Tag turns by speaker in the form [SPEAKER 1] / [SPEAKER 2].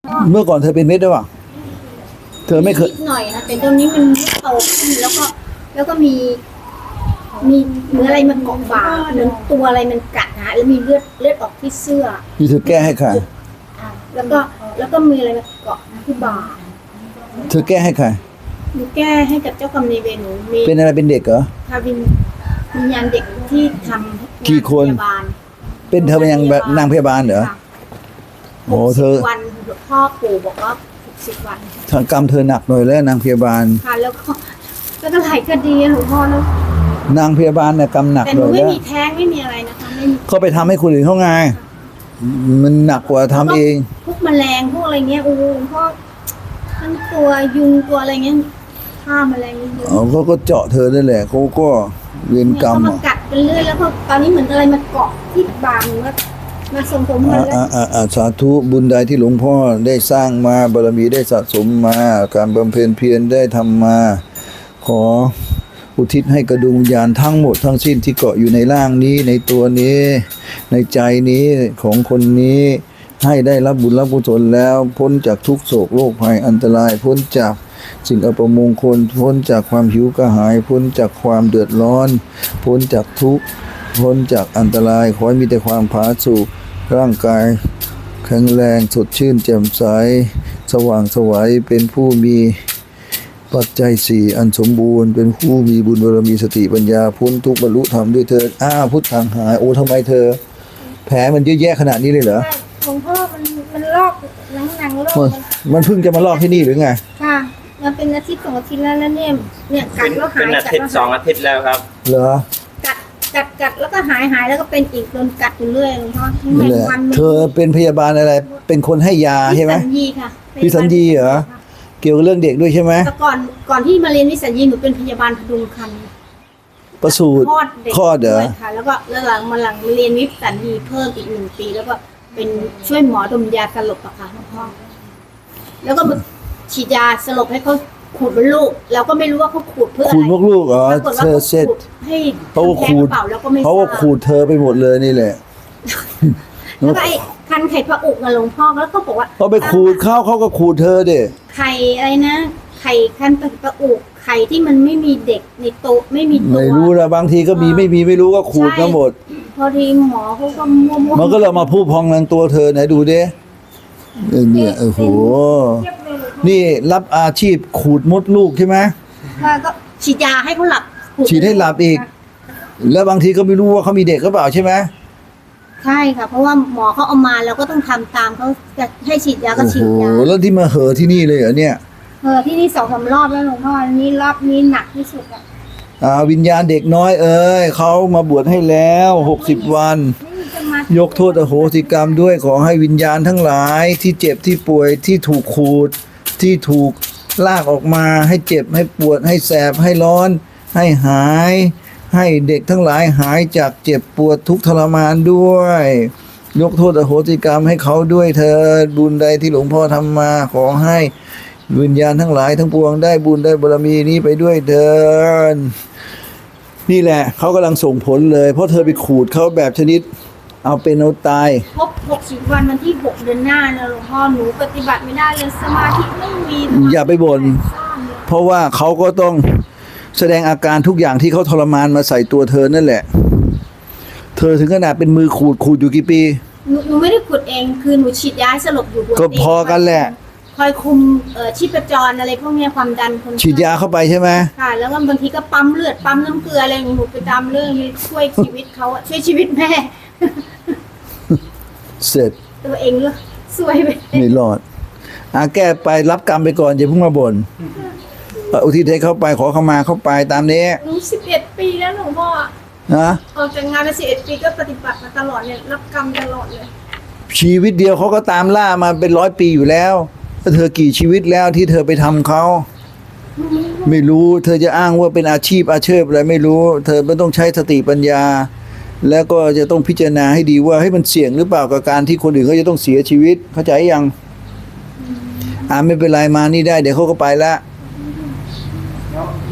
[SPEAKER 1] เมื่อก่อนเธอเป็นเม็ดด้วยป่ะเธอไม่เคย
[SPEAKER 2] นิดหน่อยนะแต่ตอนนี้มันโตขึ้นแล้วก็มีเหมือนอะไรมันเกาะบ่าเหมือนตัวอะไรมันกัดนะแล้วมีเลือดออกที่เสื้อ
[SPEAKER 1] นี่เธอแก้ให้ใคร
[SPEAKER 2] แล้วก็มีอะไรมาเกาะที่บ่า
[SPEAKER 1] เธอแก้ให้ใคร
[SPEAKER 2] หนูแก้ให้กับเจ้ากรรมนายเวรหนูมี
[SPEAKER 1] เป็นอะไรเป็นเด็กเหรอ
[SPEAKER 2] ทาวินวิญญาณเด็กที่ทำ
[SPEAKER 1] กี่คน
[SPEAKER 2] พยาบาล
[SPEAKER 1] เป็นเธอเป็นยังนางพยาบาลเหรอ
[SPEAKER 2] ค่ะ
[SPEAKER 1] โอ้เธอ
[SPEAKER 2] 60 วันพ่อปู่บอกว่า60 วัน
[SPEAKER 1] ทางกรรมเธอหนักหน่อยแล้วนางพยาบาล
[SPEAKER 2] ค่ะแล้วก็หลายคดีหลวงพ่อแล้ว
[SPEAKER 1] นางพยาบาลเนี่ยกรรมหนัก
[SPEAKER 2] แต่ห
[SPEAKER 1] ห
[SPEAKER 2] นู
[SPEAKER 1] น่อย
[SPEAKER 2] ไม่
[SPEAKER 1] แล้ว
[SPEAKER 2] มีแท้งไม่มีอะไรนะคะไม่มี
[SPEAKER 1] เขาไปทำให้คนอื่นเขาไงมันหนักกว่าทำเอง
[SPEAKER 2] พวกแมลงพวกอะไรเงี้ยโอ้โหหลวงพ่อทั้งตัวยุงตัวอะไรเงี้ยฆ่าแมลงเยอะ
[SPEAKER 1] เขาก็เจาะเธอนั่นแหละเขาก็เวร
[SPEAKER 2] เนี่ย
[SPEAKER 1] กรรม
[SPEAKER 2] เขามากัดกันเรื่อยแล้วก็ตอนนี้เหมือนอะไรมาเกาะที่บ่าหนูว่ามาสมผมมันแล้ว
[SPEAKER 1] สาธุบุญใดที่หลวงพ่อได้สร้างมาบารมีได้สะสมมา การบำเพ็ญเพียรได้ทำมา ขออุทิศให้กระดวงวิญญาณทั้งหมดทั้งสิ้นที่เกาะอยู่ในร่างนี้ในตัวนี้ ในใจนี้ของคนนี้ ให้ได้รับบุญรับกุศลแล้วพ้นจากทุกโศกโรคภัยอันตราย พ้นจากสิ่งอัปมงคล พ้นจากความหิวกระหาย พ้นจากความเดือดร้อน พ้นจากทุกข์พ้นจากอันตรายขอให้มีแต่ความผาสุกร่างกายแข็งแรงสดชื่นแจ่มใสสว่างไสวัยเป็นผู้มีปัจจัยสี่อันสมบูรณ์เป็นผู้มีบุญบารมีสติปัญญาพ้นทุกข์บรรลุธรรมด้วยเถิดพุทธังหายโอ้ทำไมเธอ แผลมันเยอะแยะขนาดนี้เลยเหรอ
[SPEAKER 2] หลวงพ่อมันลอกหนังลอก
[SPEAKER 1] มันเพิ่งจะมาลอกที่นี่หรือไง
[SPEAKER 2] ค่ะมันเป็นอาทิตย์2 อาทิตย์แล้วเนี่ยกัดแล้วหาย
[SPEAKER 3] เป็นอาทิตย์2 อาทิตย์แล้วครับ
[SPEAKER 1] เหรอ
[SPEAKER 2] กัดแล้วก็หายแล้วก็เป็นอีกโดนกัดอยู่เรื่อยหลวงพ่อทั้ง
[SPEAKER 1] นั่นแหละ
[SPEAKER 2] วัน
[SPEAKER 1] เธอเป็นพยาบาลอะไร เป็นคนให้ยาใช่ไหม
[SPEAKER 2] วิสัญญีค่ะ
[SPEAKER 1] วิสัญญีเหรอ เกี่ยวกับเรื่องเด็กด้วยใช่ไหม
[SPEAKER 2] แต่ก่อนที่มาเรียนวิสัญญีหนูเป็นพยาบาลพดุงครรภ์
[SPEAKER 1] ประสูติ
[SPEAKER 2] คลอดเด็ก
[SPEAKER 1] คลอดเหรอ
[SPEAKER 2] ด้วยค่ะแล้วก็หลังมาเรียนวิสัญญีเพิ่มอีก1 ปีแล้วก็เป็นช่วยหมอดมยาสลบอะค่ะหลวงพ่อแล้วก็ฉีดยาสลบให้เขาขูดมดลูกเราก็ไม่รู้ว่าเขาขูดเพื่ออะ
[SPEAKER 1] ขูด
[SPEAKER 2] ไร
[SPEAKER 1] มกลูกเหรอ
[SPEAKER 2] ปรากฏว่า
[SPEAKER 1] เธอ
[SPEAKER 2] เขา
[SPEAKER 1] เสร็จ
[SPEAKER 2] ขูดให้
[SPEAKER 1] เขาก็
[SPEAKER 2] แพ้
[SPEAKER 1] ขู
[SPEAKER 2] ก
[SPEAKER 1] ด
[SPEAKER 2] ระเป๋าแล้วก็ไม่
[SPEAKER 1] เขาก็
[SPEAKER 2] ทราบ
[SPEAKER 1] ขูดเธอไปหมดเลยนี่แหละ
[SPEAKER 2] แล้วก็ไอ้คันไข่พระอุกอะหลวงพ่อแล้วก็บอกว่า
[SPEAKER 1] เขาไปขูดเขาก็ขูดเธอเด็
[SPEAKER 2] ไข่อะไรนะไข่คันพระอุกไข่ที่มันไม่มีเด็กในโตะไม่มีตัว
[SPEAKER 1] ไม่รู้นะบางทีก็มีไม่มีไม่รู้ก็ขูดทั้งหมด
[SPEAKER 2] พอดีหมอเขาก็มั่วๆ
[SPEAKER 1] มันก็เลยมาพูดพองในตัวเธอไหนดูดิเนี่ยโอ้โหนี่รับอาชีพขูดมดลูกใช่ไหม
[SPEAKER 2] ก็ฉีดยาให้เขาหลับ
[SPEAKER 1] ฉีดให้หลับอีก แล้วบางทีก็ไม่รู้ว่าเขามีเด็กหรือเปล่าใช่ไหม
[SPEAKER 2] ใช่ค่ะเพราะว่าหมอเขาเอามาเราก็ต้องทำตามเขาจะให้ฉีดยาก็
[SPEAKER 1] โอ้
[SPEAKER 2] ฉี
[SPEAKER 1] โห
[SPEAKER 2] ดยา
[SPEAKER 1] แล้วที่มาเหอะที่นี่เลยเหรอเนี่ย
[SPEAKER 2] ที่นี่2-3 รอบแล้วหลวงพ่อนี่รอบนี้หนักที่สุดอะ
[SPEAKER 1] วิญญาณเด็กน้อยเอ้ยเขามาบวชให้แล้ว60 วัน
[SPEAKER 2] ไม่มีจะมาย
[SPEAKER 1] กโทษอโหสิกรรมด้วยขอให้วิญญาณทั้งหลายที่เจ็บที่ป่วยที่ถูกขูดที่ถูกลากออกมาให้เจ็บให้ปวดให้แสบให้ร้อน ให้หาย ให้เด็กทั้งหลายหายจากเจ็บปวดทุกข์ทรมานด้วย ยกโทษอโหสิกรรมให้เขาด้วยเถิดบุญใดที่หลวงพ่อทำมาขอให้วิญญาณทั้งหลายทั้งปวงได้บุญได้บารมีนี้ไปด้วยเถิดนี่แหละเขากำลังส่งผลเลยเพราะเธอไปขูดเขาแบบชนิดเอาเป็นเอาตาย
[SPEAKER 2] ครบ60 วันวันที่6 เดือนหน้านะหลวงพ่อหนูปฏิบัติไม่ได้เลยสมาธิไม่มี
[SPEAKER 1] อย่าไปบ่น เพราะว่าเขาก็ต้องแสดงอาการทุกอย่างที่เขาทรมานมาใส่ตัวเธอนั่นแหละ เธอถึงขนาดเป็นมือขูดอยู่กี่ปี
[SPEAKER 2] หนูไม่ได้ขุดเองคือหนูฉีดยาให้สลบอยู่
[SPEAKER 1] ก็พอกันแหละ
[SPEAKER 2] คอยคุมชีพจรอะไรพวกเนี้ยความดันคนไข้
[SPEAKER 1] ฉีดยาเข้าไปใช่ไหม
[SPEAKER 2] ค่ะแล้วก็บางทีก็ปั๊มเลือดปั๊มน้ำเกลืออะไรอย่างงี้หนูไปตามเรื่องนี้ช่วยชีวิตเขาอะช่วยชีวิตแม่
[SPEAKER 1] เสร็จ
[SPEAKER 2] ตัวเองด้วยสวยไป
[SPEAKER 1] ไม่รอดแก้ไปรับกรรมไปก่อนอย่าเพิ่งมาบ่นอุทิศให้เข้าไปขอเข้ามาเข้าไปตามนี้
[SPEAKER 2] หนู11 ปีแล้วหลวงพ่อ
[SPEAKER 1] นะ
[SPEAKER 2] ออกจากงานมา11 ปีก็ปฏิบัติมาตลอดเนี่ยรับกรรมตลอดเลย
[SPEAKER 1] ชีวิตเดียวเขาก็ตามล่ามาเป็น100 ปีอยู่แล้วแล้วเธอกี่ชีวิตแล้วที่เธอไปทำเขาไม่รู้เธอจะอ้างว่าเป็นอาชีพอาชีพอะไรไม่รู้ เธอไม่ต้องใช้สติปัญญา แล้วก็จะต้องพิจารณาให้ดีว่าให้มันเสี่ยงหรือเปล่ากับการที่คนอื่นเขาจะต้องเสียชีวิตเข้าใจยังไม่เป็นไรมานี่ได้เดี๋ยวเขาก็ไปละ